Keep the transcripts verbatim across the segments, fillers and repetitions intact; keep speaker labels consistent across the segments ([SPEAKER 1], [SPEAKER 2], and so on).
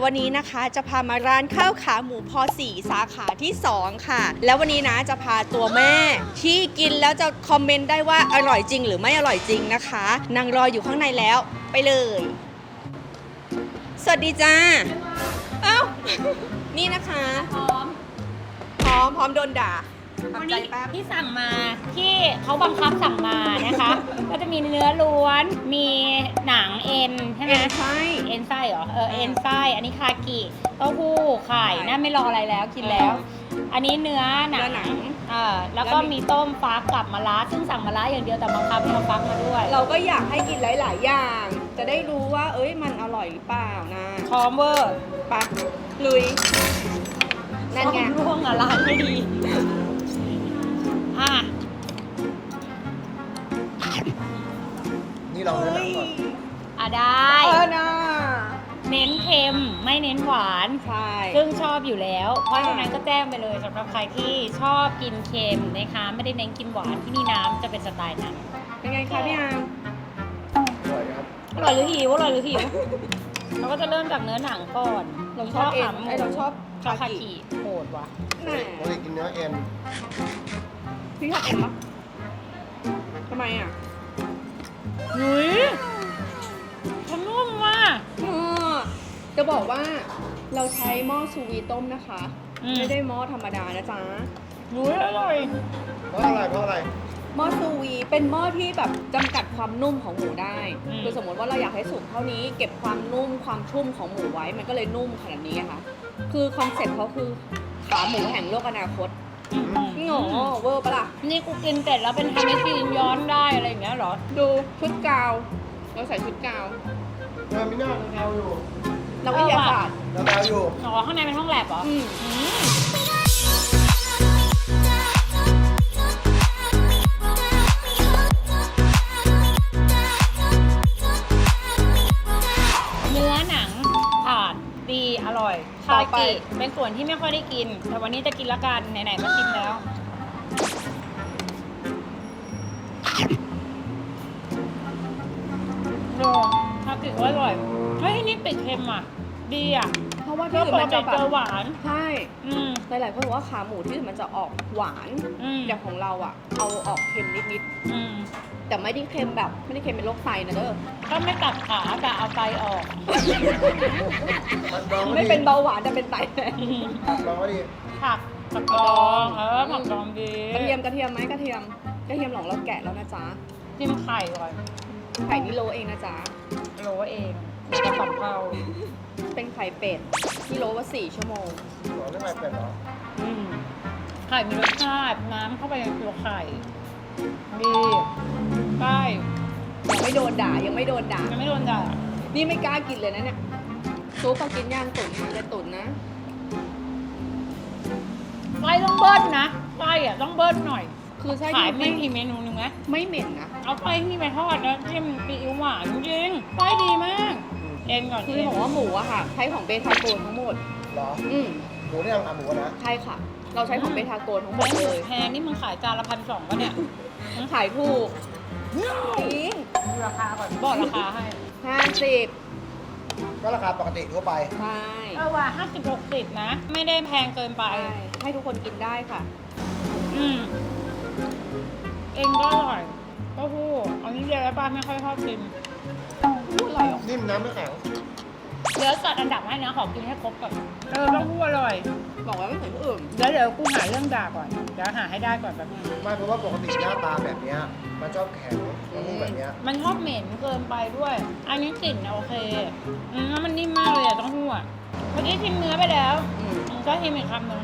[SPEAKER 1] วันนี้นะคะจะพามาร้านข้าวขาหมูพอสี่สาขาที่สองค่ะแล้ววันนี้นะจะพาตัวแม่ที่กินแล้วจะคอมเมนต์ได้ว่าอร่อยจริงหรือไม่อร่อยจริงนะคะนางรออยู่ข้างในแล้วไปเลยสวัสดีจ้าเอ้า นี่นะคะพร้อมพร้อมพร้อมโดนด่า
[SPEAKER 2] วันนี้ที่สั่งมาที่เขาบังคับสั่งมานะคะ ก็จะมีเนื้อล้วนมีหนังเอ็นใช่ไหม
[SPEAKER 1] เอ็นไส้
[SPEAKER 2] เอ็นไส้เหรอเออเอ็นไส้อันนี้คากิเต้าหู้ไข่น่าไม่รออะไรแล้วกินแล้ว อันนี้เนื้อหนัง
[SPEAKER 1] เนื้อหนัง
[SPEAKER 2] เออแล้วก็มีต้มฟักกับมะระซึ่งสั่งมะระอย่างเดียวแต่บังคับให้เอาฟักมาด้วย
[SPEAKER 1] เราก็อยากให้กินหลาย ๆ อย่าง จะได้รู้ว่า เอ้ยมันอร่อยหรือเปล่านะ
[SPEAKER 2] พร้อมเวอร์
[SPEAKER 1] ปะลุยนั่นไง
[SPEAKER 2] ซ่อมร่วงอะร้านไม่ดีอ่ะ
[SPEAKER 3] นี่เราเนื้อหนังก่อน
[SPEAKER 2] อ่ะได้
[SPEAKER 1] เออนะ
[SPEAKER 2] เน้นเค็มไม่เน้นหวาน
[SPEAKER 1] ใช่
[SPEAKER 2] ซึ่งชอบอยู่แล้ว เพราะฉะนั้นก็แจ้งไปเลยสำหรับใครที่ชอบกินเค็มนะคะไม่ได้เน้นกินหวานที่นี่น้ำจะเป็นสไตล์นั้น
[SPEAKER 1] เป็นไงคะพี่อาร์ม
[SPEAKER 3] อร่อยครับ
[SPEAKER 2] อร่อยหรือหิวอร่อยหรือหิว เราก็จะเริ่มจากเนื้อหนังก่อน
[SPEAKER 1] เราชอบเอ็น
[SPEAKER 2] ขาหมู
[SPEAKER 1] ไอยเราชอบ
[SPEAKER 2] ชอบ
[SPEAKER 1] คา
[SPEAKER 2] คา
[SPEAKER 1] กิ
[SPEAKER 2] กิโหดว่ะ
[SPEAKER 1] แหม
[SPEAKER 3] ปกติกินเนื้อเอ็น
[SPEAKER 1] พี่ชอบเอ็นปะทำไมอ่ะ
[SPEAKER 2] หุยมันนุ่มว่ะ
[SPEAKER 1] เออจะบอกว่าเราใช้หม้อซูวีต้มนะคะ
[SPEAKER 2] อืม
[SPEAKER 1] ไม่ได้หม้อธรรมดานะจ๊ะ
[SPEAKER 2] หุยอร่อย
[SPEAKER 3] เพราะอะไรเพราะอะไร
[SPEAKER 1] หม้อซูวีเป็นหม้อที่แบบจำกัดความนุ่มของหมูได้
[SPEAKER 2] อืม
[SPEAKER 1] คือสมมติว่าเราอยากให้สุกเท่านี้ เก็บความนุ่มความชุ่มของหมูไว้ มันก็เลยนุ่มขนาดนี้ไงคะคือคอนเซ็ปต์เขาคือขาหมูแห่งโลกอนาคต
[SPEAKER 2] อืม
[SPEAKER 1] โง่เวอร์ปะล่ะ
[SPEAKER 2] นี่กูกินเสร็จแล้วเป็นทำให้กินย้อนได้อะไรอย่างเงี้ยเหรอ
[SPEAKER 1] ดูชุดกาว เราใส่ชุดกาว
[SPEAKER 3] เออมิน่าแนวอยู่
[SPEAKER 1] เราวิทยาศาสตร์
[SPEAKER 3] แล้วแนวอยู่
[SPEAKER 2] อ๋อข้างในเป็นห้องแลบเหรอ
[SPEAKER 1] อืม
[SPEAKER 2] อืมเนื้อหนังผ่านดีอร่อยคากิเป็นส่วนที่ไม่ค่อยได้กิน แต่วันนี้จะกินละกันไหนๆมาชิมแล้วโอ้คากิก็อร่อยเฮ้ยนี่ติดเค็มอ่ะ ดีอ่ะ
[SPEAKER 1] เพราะว่า
[SPEAKER 2] ก็
[SPEAKER 1] ที่อื่
[SPEAKER 2] ป
[SPEAKER 1] น
[SPEAKER 2] ก
[SPEAKER 1] มัน
[SPEAKER 2] ติ
[SPEAKER 1] จะแบ
[SPEAKER 2] เจอบ หวาน
[SPEAKER 1] ใช่
[SPEAKER 2] อืม
[SPEAKER 1] หลายๆคนบอกว่าขาหมูที่อื่นมันจะออกหวาน
[SPEAKER 2] อืม
[SPEAKER 1] อย่างของเราอ่ะ เอาออกเค็มนิด
[SPEAKER 2] อืม
[SPEAKER 1] ๆ แต่ไม่ได้เค็มแบบไม่ได้เค็มเป็นโรคไตนะเด้อ
[SPEAKER 2] ก็ไม่ตัดขาแต่เอาไตออก
[SPEAKER 3] มันดองก็
[SPEAKER 1] ไม่
[SPEAKER 3] ดี
[SPEAKER 1] เป็นเบาหวานแต่เป็นไตแทน
[SPEAKER 3] ดองก็ดี
[SPEAKER 2] ผักผักดองเออผักดองดี
[SPEAKER 1] กระเทียมกระเทียมไหมกระเทียมกระเทียมหลงเราแกะแล้วนะจ๊ะ
[SPEAKER 2] จิ้มไข่ก่อน
[SPEAKER 1] ไข่นี่โลเองนะจ๊ะ
[SPEAKER 2] โรยเองจะสับเผา
[SPEAKER 1] เป็นไข่เป็ดที่โลว่าสี่ชั่วโมง
[SPEAKER 3] หรอเรื่องอะไรเป็ดเหรอ
[SPEAKER 2] อืมไข่มีรสชาติน้ำเข้าไปในตัวไข่ดีใช่
[SPEAKER 1] ยังไม่โดนด่ายังไม่โดนด่า
[SPEAKER 2] ยังไม่โดนด่า
[SPEAKER 1] นี่ไม่กล้ากินเลยนะเนี่ยซุปพอกินย่างตุ๋นมาเลยตุ๋นนะ
[SPEAKER 2] ไส้ต้องเบิ้ลนะไส้อะต้องเบิ้ลหน่อย
[SPEAKER 1] คือใช่
[SPEAKER 2] ขาย
[SPEAKER 1] ไม่
[SPEAKER 2] ไม่กี่เมนูหนึงไหม
[SPEAKER 1] ไม่เหม็นนะ
[SPEAKER 2] เอาไส้ที่ไปทอดแล้วจิ้มซีอิ๊วหวานจริงๆไส้ดีมากเอ็นก่อน
[SPEAKER 1] คือ
[SPEAKER 2] เอ็น
[SPEAKER 1] บอกว่าหมูอะค่ะใช้ของเบทาโกนทั้งหมด
[SPEAKER 3] เหรอ
[SPEAKER 1] อืม
[SPEAKER 3] หมูนี่ยังอ่ะหมูนะ
[SPEAKER 1] ใช่ค่ะ เราใช้ของเบทาโกนทั้งหม
[SPEAKER 2] ไส้
[SPEAKER 1] ด
[SPEAKER 2] หมู
[SPEAKER 1] เลย
[SPEAKER 2] แพงนี่มึงขายจานละพันสองป่ะเนี่ย
[SPEAKER 1] ขายถูกจริง
[SPEAKER 2] ดูราคาก่อนบอกราคาให้
[SPEAKER 1] ห้าสิบ
[SPEAKER 3] ก็ราคาปกติทั่วไป
[SPEAKER 1] ใช่
[SPEAKER 2] เออว่าห้าสิบหกสิบนะ ไม่ได้แพงเกินไป
[SPEAKER 1] ใช่ให้ทุกคนกินได้ค่ะ
[SPEAKER 2] อืม เองก็อร่อยเต้าหู้เอานี้เดียวแล้วป้าไม่ค่อยชอบกิน
[SPEAKER 1] พูดอร่อยเหรอ
[SPEAKER 3] นิ่มน้ำไม่แข็ง
[SPEAKER 2] เดี๋ยวจัดอันดับให้นะขอกินให้ครบก่อนเออเต้าหู้อร่อย
[SPEAKER 1] บอกว่าไม่เหมือนผู้อื่น
[SPEAKER 2] เดี๋ยวเดี๋ยวกูหาเรื่องด่าก่อน เดี๋ยวหาให้ได้ก่อนแบบนึง
[SPEAKER 3] ไม่เพราะว่าปกติหน้าตาแบบเนี้ยมันชอบแข็งมันนุ่มแบบเนี้ย
[SPEAKER 2] มันชอบเหม็นเกินไปด้วย อันนี้กลิ่นโอเค อืมแล้วมันนิ่มมากเลยอะเต้าหู้อะเมื่อกี้ชิมเนื้อไปแล้ว
[SPEAKER 1] อืม
[SPEAKER 2] มึงก็ชิมอีกคำหนึ่ง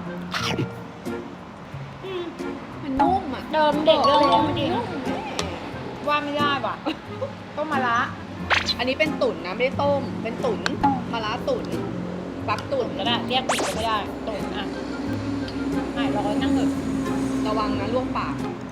[SPEAKER 2] อืม
[SPEAKER 1] มันนุ่มอ่ะ
[SPEAKER 2] เดิมเด็กเรื่องนุ่มจริง
[SPEAKER 1] นุ่มแม่
[SPEAKER 2] ว่าไม่ได้ว่ะ ต้มมะระ
[SPEAKER 1] อันนี้เป็นตุ๋นนะไม่ได้ต้ม เป็นตุ๋นมะระตุ๋นฟักตุ๋น
[SPEAKER 2] ก็ได้เรียกผิดก็ไม่ได้ตุ๋นอ่ะหายร้อนนั่งเถอะ
[SPEAKER 1] ระวังนะลวกปาก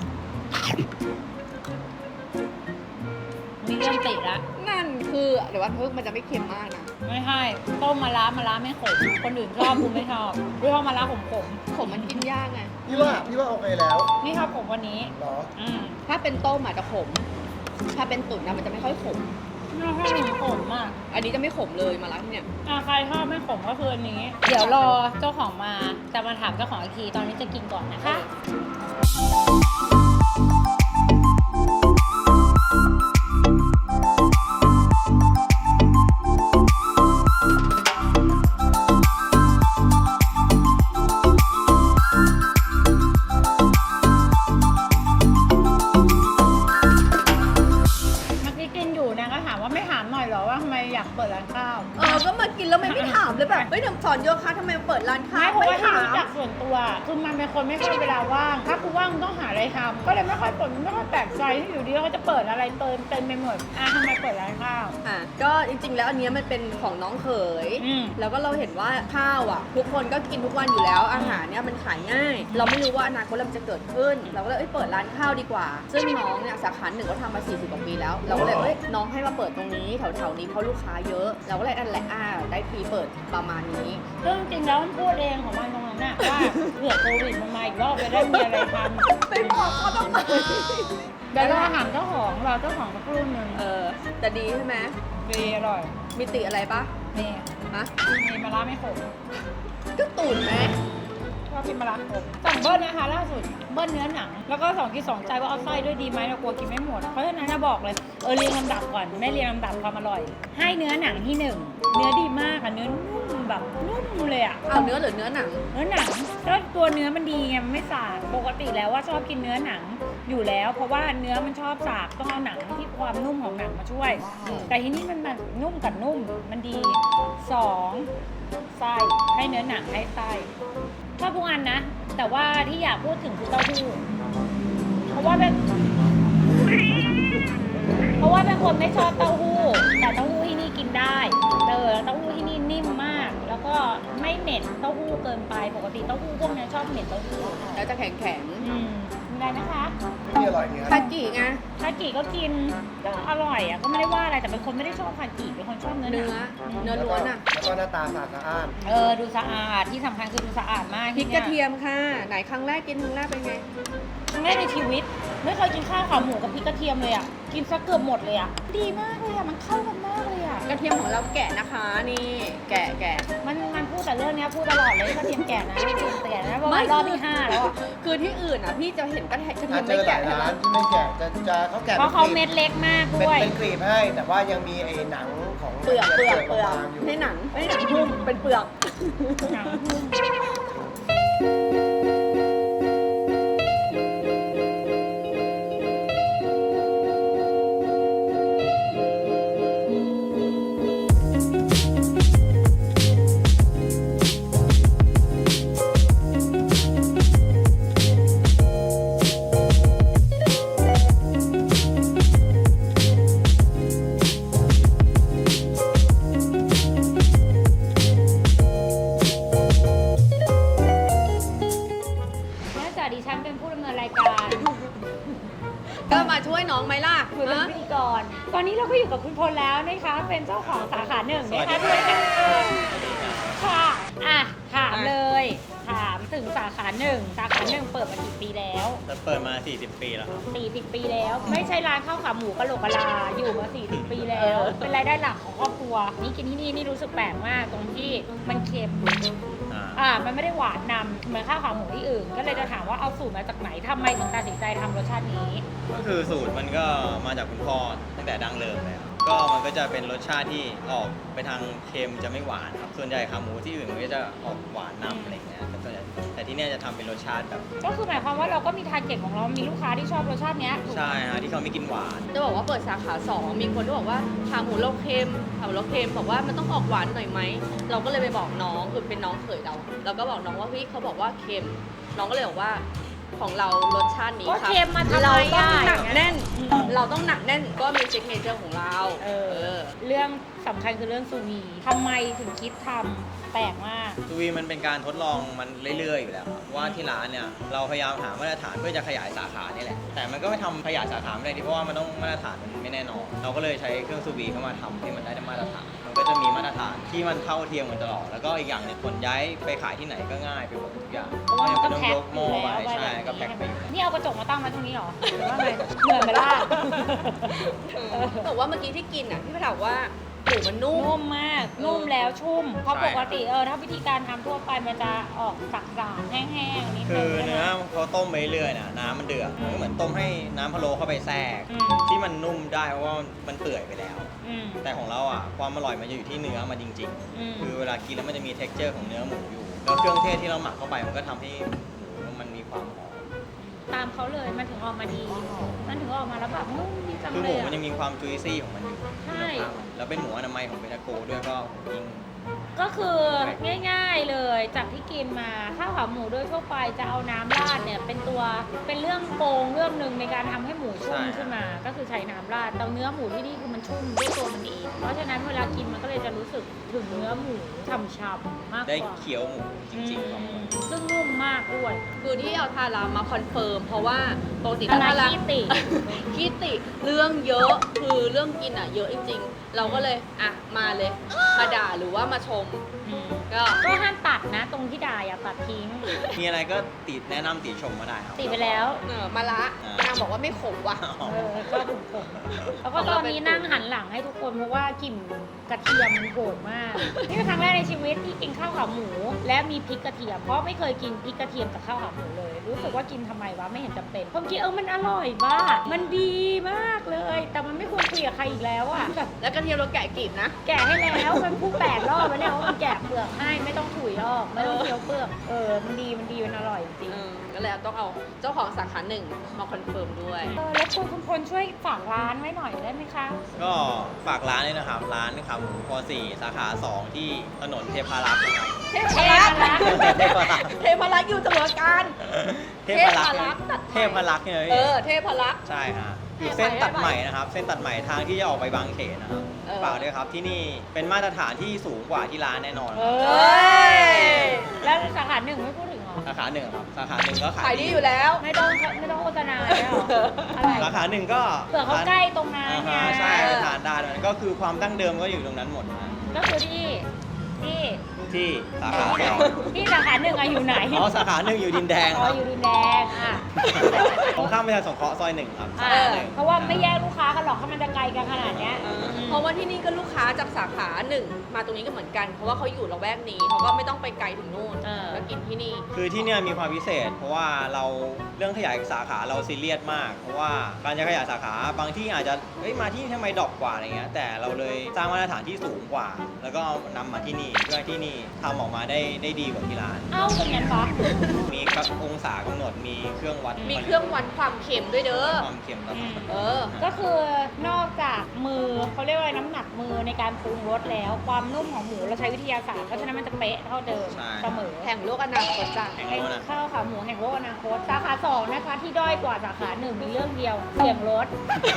[SPEAKER 2] มีเรื่องติดละ
[SPEAKER 1] นั่นคือเดี๋ยวว่าเพิ่งมันจะไม่เค็มมากนะ
[SPEAKER 2] ไม่ใช่ต้มมะระมะระไม่ขมคนอื่นชอบกูไม่ชอบกูชอบมะระขมขม
[SPEAKER 1] ขมมันกินยากไง
[SPEAKER 3] พี่ว่าพี่ว่าโอเคแล้ว
[SPEAKER 2] ๆนี่ชอบขมวันนี้
[SPEAKER 3] เหรอ
[SPEAKER 2] อืม
[SPEAKER 1] ถ้าเป็นต้มอาจจะขม ถ้าเป็นตุ๋นนะมันจะไม่ค่อยขม
[SPEAKER 2] อน่าชอบหมูขมอ่ะ
[SPEAKER 1] อันนี้จะไม่ขมเลยมาร้านที่เนี่ย
[SPEAKER 2] อ่ะใครชอบไม่ขมก็คืออันนี้ เดี๋ยวรอเจ้าของมาจะมาถามเจ้าของอีกทีตอนนี้จะกินก่อนนะคะ เมื่อกี้กินอยู่นะก็ถามว่าไม่ถามหน่อยเหรอว่าทำไมอยากเปิดร้านข้าว
[SPEAKER 1] เออ ก็มากินแล้วไม่ไม่ถามเลยแบบเฮ้ยเดี๋ยวสอนโยคะทำไมเปิดร้านข้า
[SPEAKER 2] ไม่
[SPEAKER 1] ว
[SPEAKER 2] เพราะว่าที่
[SPEAKER 1] ถาม
[SPEAKER 2] รู้จักส่วนตัวคือมันเป็นคนไม่ค่อยเวลาว่าง ถ้ากูว่างมึงต้องหาอะไรทำก็เลยไม่ค่อยเปิดไม่ค่อยแปลกใจที่อยู่ดีเขาจะเปิดอะไรเติมเต็มไปหมดอ่ะทำไมเปิดร้านข้าว
[SPEAKER 1] อ่ะก็จริงๆแล้วอันเนี้ยมันเป็นของน้องเขย
[SPEAKER 2] อืม
[SPEAKER 1] แล้วก็เราเห็นว่าข้าวอ่ะ ทุกคนก็กินทุกวันอยู่แล้วอาหารเนี่ยมันขายง่าย เราไม่รู้ว่าอนาคตมันจะเกิดขึ้น เราก็เลยเอ้ยเปิดร้านข้าวดีกว่า ซึ่งน้องเนี่ยสาขาหนึ่งก็ทำมาสี่สิบกว่าปีแล้ว เราก็เลยเอ้ยน้องให้มาเปิดตรงนี้แถวๆนี้เพราะลูกค้าเยอะ เราก็เลยอันแหละอ่าได้ทีเปิดประมาณนี้
[SPEAKER 2] ซึ่งจริงๆแล้วมันพูดเองของมันตรงนั้นน่ะว่าเผื่อโควิดมันมาอีกรอบจะได้มีอะไรทำ
[SPEAKER 1] ไปบอกเขาทำไม
[SPEAKER 2] เดี๋ยวเราถามเจ้าของเราเจ้าของสักครู่หนึ่ง
[SPEAKER 1] เออแต่ดีใช่ไหม
[SPEAKER 2] ดีอร่อย
[SPEAKER 1] มีติอะไรปะ
[SPEAKER 2] นี่
[SPEAKER 1] ฮะ
[SPEAKER 2] มีมะระไม่ขม
[SPEAKER 1] ก็ตุ๋นไหม
[SPEAKER 2] ชอบกินมะระขมสั่งเบิ้ลนะคะล่าสุดเบิ้ลเนื้อหนัง แล้วก็สองกินสองใจว่าเอาไส้ด้วยดีไหมเรากลัวกินไม่หมด เพราะฉะนั้นจะบอกเลยเออเรียงลำดับก่อนไม่เรียงลำดับความอร่อย ให้เนื้อหนังที่หนึ่งเนื้อดีมากอะเนื้อนุ่มแบบนุ่มเลยอะ
[SPEAKER 1] เอาเนื้อหรือเนื้อหนัง
[SPEAKER 2] เนื้อหนังแล้วตัวเนื้อมันดีไงมันไม่สาบปกติแล้วว่าชอบกินเนื้อหนังอยู่แล้ว เพราะว่าเนื้อมันชอบสาบต้องเอาหนังที่ความนุ่มของหนังมาช่วย แต่ที่นี่มันแบบนุ่มกับนุ่มมันดีสองไส้ให้เนื้อหนังให้ไส้ชอบทุกอันนะ แต่ว่าที่อยากพูดถึงคือเต้าหู้เพราะว่าเป็นเพราะว่าเป็นคนไม่ชอบเต้าหู้แต่เต้าหู้ที่นี่กินได้เออเต้าหู้ที่นี่นิ่มมาก แล้วก็ไม่เหม็นเต้าหู้เกินไปปกติเต้าหู้พวกนี้ชอบเหม็นเต้าหู้
[SPEAKER 1] แล้วจะแข็งแข็ง
[SPEAKER 2] อืมได้นะคะ
[SPEAKER 3] ที่อร่อยเนี่ย
[SPEAKER 1] คากิไง
[SPEAKER 2] คากิก็กินก็อร่อยอ่ะก็ไม่ได้ว่าอะไรแต่เป็นคนไม่ได้ชอบคากิเป็นคนชอบเนื้อห
[SPEAKER 1] เนื้อ
[SPEAKER 2] นัง
[SPEAKER 1] เนื้อล้วนอ่ะ
[SPEAKER 3] แล้วก็หน้าตาสะอาดสะอ้าน
[SPEAKER 2] เออดูสะอาดที่สำคัญคือดูสะอาดมาก
[SPEAKER 1] พริกกระเทียมค่ะ ไหนครั้งแรกกินครั้งแรกเป็นไง
[SPEAKER 2] ครั้งแรกในชีวิต ไม่เคยกินข้าวขาหมูกับพริกกระเทียมเลยอ่ะกินซะเกือบหมดเลยอ่ะดีมากเลยอ่ะมันเข้ากันมากเลยอ่ะ
[SPEAKER 1] กระเทียมของเราแกะนะคะนี่ แกะแกะ
[SPEAKER 2] มันมันพูดแต่เรื่องเนี้ยพูดตลอดเลยกระเทียมแก่นะกระเทียมแก่นะเพราะว่ารอบที่ห้าแล้วอ่ะ
[SPEAKER 1] คือที่อื่นอ่ะพี่จะเห็นกระเทียมกระเที
[SPEAKER 3] อาย
[SPEAKER 1] ม
[SPEAKER 3] จเจ
[SPEAKER 1] ไม่
[SPEAKER 3] อหลา
[SPEAKER 1] แกะ
[SPEAKER 3] ย
[SPEAKER 1] ใช่ไหม
[SPEAKER 3] ร้านที่ไม่แกะจะจะเขาแกะ
[SPEAKER 2] เพราะเขา
[SPEAKER 3] ป็นกลี
[SPEAKER 2] เม็
[SPEAKER 3] บ
[SPEAKER 2] ดเล็กมาก
[SPEAKER 3] เป็น
[SPEAKER 2] ด้วย
[SPEAKER 3] เป็นกรีบให้ แต่ว่ายังมีไอ้หนังของ
[SPEAKER 1] เปลือกเปลือกเปลือก
[SPEAKER 3] บางๆอยู่
[SPEAKER 1] ไม่หนังไม่หนังหุ้มเป็นเปลือก
[SPEAKER 2] หนังหุ้ม เนื่องจากดิฉันเป็นผู้ดำเนินรายการ
[SPEAKER 1] ก็มาช่วยน้องไหมล่ะ
[SPEAKER 2] หรือเป็น
[SPEAKER 1] ฮะ
[SPEAKER 2] พิธีกร ตอนนี้เราก็อยู่กับคุณพลแล้วนะคะ เป็นเจ้าของสาขาหนึ่งนะคะด้วยค่ะค่ะ อ่ะ ถามเลย ถามถึงสาขาหนึ่ง สาขาหนึ่งเปิดมากี่ปีแล้ว
[SPEAKER 4] จะเปิดมา สี่สิบ ปีแล้วครับ
[SPEAKER 2] สี่สิบปีแล้ว ไม่ใช่ร้านข้าวขาหมูกะโหลกกะลา อยู่มาสี่สิบปีแล้ว เป็นรายได้หลักของครอบครัว นี่กินที่นี่นี่รู้สึกแปลกมากตรงที่มันเค็ม
[SPEAKER 4] อ่า
[SPEAKER 2] อ่า มันไม่ได้หวานนำเหมือนข้าวขาหมูที่อื่น ก็เลยจะถามว่าเอาสูตรมาจากไหนทำไมถึงตัดสินใจทำรสชาตินี้
[SPEAKER 4] ก็คือสูตรมันก็มาจากคุณพ่อตั้งแต่ดั้งเดิมเลยครับก็มันก็จะเป็นรสชาติที่ออกไปทางเค็มจะไม่หวานครับ ส่วนใหญ่ขาหมูที่อื่นมันก็จะออกหวานนำอะไรเงี้ยแต่ส่วนใหญ่แต่ที่เนี่ยจะทำเป็นรสชาติแบบ
[SPEAKER 2] ก็คือหมายความว่าเราก็มีทาร์เก็ตของเรา มีลูกค้าที่ชอบรสชาติเนี้ยถูกไหม
[SPEAKER 4] ใช่ฮะที่เขาไม่กินหวาน
[SPEAKER 1] จะบอกว่าเปิดสาขาสองมีคนที่บอกว่าขาหมูเราเค็มขาหมูเราเค็มบอกว่ามันต้องออกหวานหน่อยไหมเราก็เลยไปบอกน้องคือเป็นน้องเขยเราเราก็บอกน้องว่าพี่เขาบอกว่าเค็มน้องก็เลยบอกว่าของเรารสชาตินี้
[SPEAKER 2] ก็
[SPEAKER 1] ครับ
[SPEAKER 2] เค็มมาทำไม
[SPEAKER 1] เรา
[SPEAKER 2] อ่ะ
[SPEAKER 1] ต้องหนักแน่น
[SPEAKER 2] อืม
[SPEAKER 1] เราต้องหนักแน่นก็มีซิกเนเจอร์ของเรา
[SPEAKER 2] เออ เรื่องสำคัญคือเรื่องซูวีทำไมถึงคิดทำแปลกมาก
[SPEAKER 4] ซูวีมันเป็นการทดลองมันเรื่อยๆอยู่แล้วครับว่าที่ร้านเนี่ยเราพยายามหามาตรฐานเพื่อจะขยายสาขานี่แหละแต่มันก็ไม่ทำขยายสาขาไม่ได้ดิเพราะว่ามันต้องมาตรฐานมันไม่แน่นอนเราก็เลยใช้เครื่องซูวีเข้ามาทำให้มันได้มาตรฐานมันก็จะมีมาตรฐานที่มันเท่าเทียมกันตลอดแล้วก็อีกอย่างหนึงคนย้ายไปขายที่ไหนก็ง่ายไปหมดทุกอย่าง
[SPEAKER 2] เพราะว่ามันก็
[SPEAKER 4] ไม่ต้อง
[SPEAKER 2] แพ็ค
[SPEAKER 4] ยกหม้อไป
[SPEAKER 2] อยู่แล้ว
[SPEAKER 4] ใช่ก็แพ็คไปอยู่
[SPEAKER 2] นี่เอากระจกมาตั้งไว้ตรงนี้เหรอหรือว่าไงเหมือนไหมล่ะ
[SPEAKER 1] แต่ว่าเมื่อกี้ที่กินอ่ะพี่ไปถามว่าหมูมันนุ่ม
[SPEAKER 2] นุ่มมาก นุ่มแล้วชุ่ม เพราะ
[SPEAKER 4] ใช่
[SPEAKER 2] ปกติเออถ้าวิธีการทำทั่วไปมันจะออกสักๆแห้งๆนิด
[SPEAKER 4] คื
[SPEAKER 2] นึ
[SPEAKER 4] อง
[SPEAKER 2] ใช่ไหม
[SPEAKER 4] เนื้อพอต้มไปเรื่อยๆน่ะน้ำมันเดือดมันก็เหมือนต้มให้น้ำพะโล้เข้าไปแทรก
[SPEAKER 2] อืม
[SPEAKER 4] ที่มันนุ่มได้เพราะว่ามันเปื่อยไปแล้ว
[SPEAKER 2] อืม
[SPEAKER 4] แต่ของเราอ่ะความอร่อยมันจะอยู่ที่เนื้อมันจริง
[SPEAKER 2] อืม
[SPEAKER 4] ๆ คือเวลากินแล้วมันจะมี เท็กเจอร์ ของเนื้อหมูอยู่ แล้วเครื่องเทศที่เราหมักเข้าไปมันก็ทำให้หมูมันมีความหอม
[SPEAKER 2] ตามเขาเลยมันถึงออกมาดี มันถึงออกมาแล้วแบบนุ่มดีจัง
[SPEAKER 4] คือห
[SPEAKER 2] เล
[SPEAKER 4] มู
[SPEAKER 2] ย
[SPEAKER 4] มัน
[SPEAKER 2] อะ
[SPEAKER 4] ยังมีความจุยซี่ของมันอยู่
[SPEAKER 2] ใช่
[SPEAKER 4] แล้วเป็นหมูอนามัยของเบทาโกด้วยก็ยิ่ง
[SPEAKER 2] ก็คือง่ายๆเลยจากที่กินมาข้าวขาหมูโดยทั่วไปจะเอาน้ำราดเนี่ยเป็นตัวเป็นเรื่องโกงเรื่องหนึ่งในการทำให้หมูชุ่ม
[SPEAKER 4] ใช่
[SPEAKER 2] ขึ้นมา ก็คือใช้น้ำราดแต่เนื้อหมูที่นี่คือมันชุ่มด้วยตัวมันเองเพราะฉะนั้นเวลากินมันก็เลยจะรู้สึกถึงเนื้อหมูฉ่ำๆมากก
[SPEAKER 4] ได้
[SPEAKER 2] ว่า
[SPEAKER 4] เคี้ยวหมูจริงๆของ
[SPEAKER 2] อืมซึ่งนุ่มมากด้วย
[SPEAKER 1] คือที่เอาทารามาคอนเฟิร์มเพราะว่าปกติ
[SPEAKER 2] อะไร
[SPEAKER 1] ทารา
[SPEAKER 2] ขี้ติ
[SPEAKER 1] ขี้ติเรื่องเยอะคือเรื่องกินอ่ะเยอะจริงๆ เราก็เลยอ่ะมาเลย มาด่าหรือว่ามาชม
[SPEAKER 2] อืม
[SPEAKER 1] ก็
[SPEAKER 2] ก็ห้ามตัดนะ ตรงที่ด่าอย่าตัดทิ้ง
[SPEAKER 4] มีอะไรก็ติดแนะนำติชมมาได้ครับ
[SPEAKER 2] ติดไปแล้ว
[SPEAKER 1] เออมาละ
[SPEAKER 4] อ่าน
[SPEAKER 1] นางบอกว่าไม่ขมว่ะ
[SPEAKER 4] อ๋อ
[SPEAKER 2] เออก็ถูกผมแล้วก็ตอนนี้นั่งหันหลังให้ทุกคนเพราะว่ากลิ่นกระเทียมมันโหดมาก นี่เป็นครั้งแรกในชีวิตที่กินข้าวขาหมู และมีพริกกระเทียม เพราะไม่เคยกินพริกกระเทียมกับข้าวขาหมูเลย รู้สึกว่ากินทำไมวะไม่เห็นจำเป็นผมคิดเออมันอร่อยมากมันดีมากเลย แต่มันไม่ควรคุยกับใครอีกแล้วอะแบบ
[SPEAKER 1] แล้วกระเทียมเราแกะกลีบนะ
[SPEAKER 2] แกะให้แล้วมันพูดแปดรอบแล้วเนี่ยว่ามันแกะเปลือกให้ไม่ต้องถุยออกไม่ต้องเคี้ยวเปลือกเออมันดีมันดีมันอร่อยจริง
[SPEAKER 1] เออก็เลยต้องเอาเจ้าของสาขาหนึ่งมาคอนเฟิร์มด้วย
[SPEAKER 2] เออแล้วคุณคุณพลช่วยฝากร้านไว้หน่อยได้ไหมคะ
[SPEAKER 4] ก็ฝากร้านเลยนะครับ ร้านขาหมูพอสี่สาขาสองที่ถนนเทพารักษ์นะครับ
[SPEAKER 1] เทพรักษ์
[SPEAKER 4] เทพารักษ์
[SPEAKER 1] เทพรักษ์อยู่เสมอการ
[SPEAKER 4] เทพารักษ์
[SPEAKER 1] เทพารักษ์ตัดไผ่
[SPEAKER 4] เทพารักษ์เนี่ย
[SPEAKER 1] เออ เทพรักษ์
[SPEAKER 4] ใช่ฮะอยู่เส้นตัดใหม่นะครับ เส้นตัดใหม่ทางที่จะออกไปบางเขนนะครับ
[SPEAKER 1] เออ
[SPEAKER 4] ฝากด้วยครับที่นี่เป็นมาตรฐานที่สูงกว่าที่ร้านแน่นอน
[SPEAKER 2] เอ
[SPEAKER 1] เอ้
[SPEAKER 2] อย แล้วสาขาหนึ่งไม่พูดถึงเหรอ
[SPEAKER 4] สาขาหนึ่งครับสาขาหนึ่งก็
[SPEAKER 1] ขา
[SPEAKER 4] ขาย ย
[SPEAKER 1] ดีอยู่แล้ว
[SPEAKER 2] ไม่ต้องไม่ต้องโฆษณาแล้วเหรออะไร
[SPEAKER 4] สาขาหนึ่งก็
[SPEAKER 2] เผื่อเขาใกล้ตรงนั้น
[SPEAKER 4] อ่า
[SPEAKER 2] ไง
[SPEAKER 4] ฮะใช่ทานได้มันก็คือความดั้งเดิมก็อยู่ตรงนั้นหมดนะ
[SPEAKER 2] ก็คือที่ที่
[SPEAKER 4] ที่สาขาสอง
[SPEAKER 2] ที่สาขาหนึ่งอะอยู่ไหน
[SPEAKER 4] อ๋อสาขาหนึ่งอยู่ดินแดง
[SPEAKER 2] อ๋
[SPEAKER 4] ค
[SPEAKER 2] อ
[SPEAKER 4] รับ
[SPEAKER 2] อยู่ดินแดงอ่ะ
[SPEAKER 4] ตรงข้ามประชาสงเคราะห์ซอยหนึ่งครับ
[SPEAKER 2] อ่ะเพราะว่าไม่แยกลูกค้ากันหรอกถ้ามันจะไกลกันขนาดเนี้ย
[SPEAKER 1] เพราะว่าที่นี่ก็ลูกค้าจากสาขาหนึ่งมาตรงนี้ก็เหมือนกัน เพราะว่าเขาอยู่ละแวกนี้เขาก็ไม่ต้องไปไกลถึงนู่น
[SPEAKER 2] เออ
[SPEAKER 1] ก็กินที่นี่
[SPEAKER 4] คือที่เนี่ยมีความพิเศษ เพราะว่าเราเรื่องขยายสาขาเราซีเรียสมาก เพราะว่าการจะขยายสาขาบางที่อาจจะเฮ้ยมาที่นี่ทำไมดรอปกว่าอะไรเงี้ยแต่เราเลยสร้างมาตรฐานที่สูงกว่า แล้วก็นำมาที่นี่เพื่อให้ที่นี่ทำออกมาได้ได้ดีกว่าที่ร้าน
[SPEAKER 2] เอ้าเป็นงั้นปะ
[SPEAKER 4] มีกับองศากำหนดมีเครื่องวัด
[SPEAKER 1] มีเครื่องวัดความเค็มด้วยเด้อ
[SPEAKER 4] ความเค็มตลอด
[SPEAKER 1] เออ
[SPEAKER 2] ก็คือนอกจากมือเขาเรียกว่าอะไรน้ำหนักมือในการปรุงรสแล้ว ความนุ่มของหมูเราใช้วิทยาศาสตร์เพราะฉะนั้นมันจะเป๊ะเท่าเดิม
[SPEAKER 4] ใช่
[SPEAKER 2] เสมอ
[SPEAKER 1] แห่งโลกอนาคตจ้ะ
[SPEAKER 4] แห่ง
[SPEAKER 2] เป็น
[SPEAKER 4] โลกนะ
[SPEAKER 2] ข้าวขาหมูแห่งโลกอนาคตสาขาสองนะคะที่ด้อยกว่าสาขาหนึ่งมีเรื่องเดียวเสียงรถ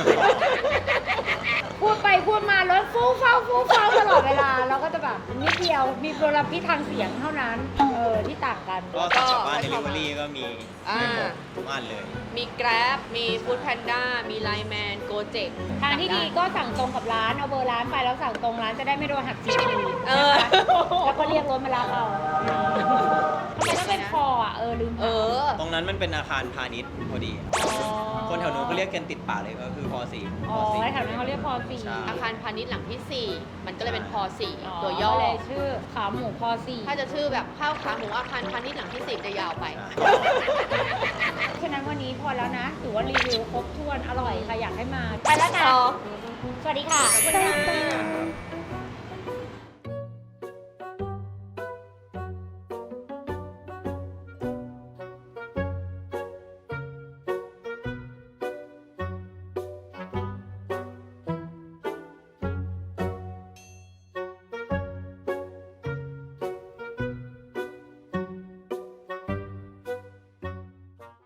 [SPEAKER 2] พูดไปพูดมารถฟู่ฟ้าฟู่ฟ้าตลอดเวลาเราก็จะแบบนิดเดียวมีมลพิษทางเสียงเท่านั้นเออที่ต่างกัน
[SPEAKER 4] ก็สั่งกลับบ้านเดลิเวอรี่ก็มี
[SPEAKER 1] อ่า
[SPEAKER 4] ให้หมดทุกอันเลย
[SPEAKER 1] มี Grab มี Food Panda มี Line Man Gojek
[SPEAKER 2] ทางที่ดีก็สั่งตรงกับร้านเอาเบอร์ร้านไปแล้วสั่งตรงร้านจะได้ไม่โดนหักจีพี
[SPEAKER 1] เออ
[SPEAKER 2] แล้วก็เรียกรถมารับเอาทำไมต้องเป็นคออ่ะเออลืม
[SPEAKER 1] เออ
[SPEAKER 4] ตรงนั้นมันเป็นอาคารพาณิชย์พอดี
[SPEAKER 2] อ๋อ
[SPEAKER 4] คนแถวนู้นก็เรียกกันติดปากเลยก็คือพอสี่
[SPEAKER 2] อ๋
[SPEAKER 4] พ
[SPEAKER 2] อ
[SPEAKER 4] อสี่
[SPEAKER 2] แถวนั้นเขาเรียกพอสี่
[SPEAKER 4] ใช่
[SPEAKER 1] อาคารพาณิชย์หลังที่ สี่ มันก็เลยเป็นพอสี่
[SPEAKER 2] อ๋อ
[SPEAKER 1] ตัวย่อ
[SPEAKER 2] ก็เลยชื่อขาหมูพอสี่
[SPEAKER 1] ถ้าจะชื่อแบบข้าวขาหมูอาคารพาณิชย์หลังที่สี่จะยาวไป
[SPEAKER 2] ฉะนั้นวันนี้พอแล้วนะถือว่ารีวิวครบถ้วนอร่อยค่ะอยากให้มา ไปแล้วนะ
[SPEAKER 1] ต่อ
[SPEAKER 2] สวัสดีค่ะ
[SPEAKER 1] ขอบคุณค่ะ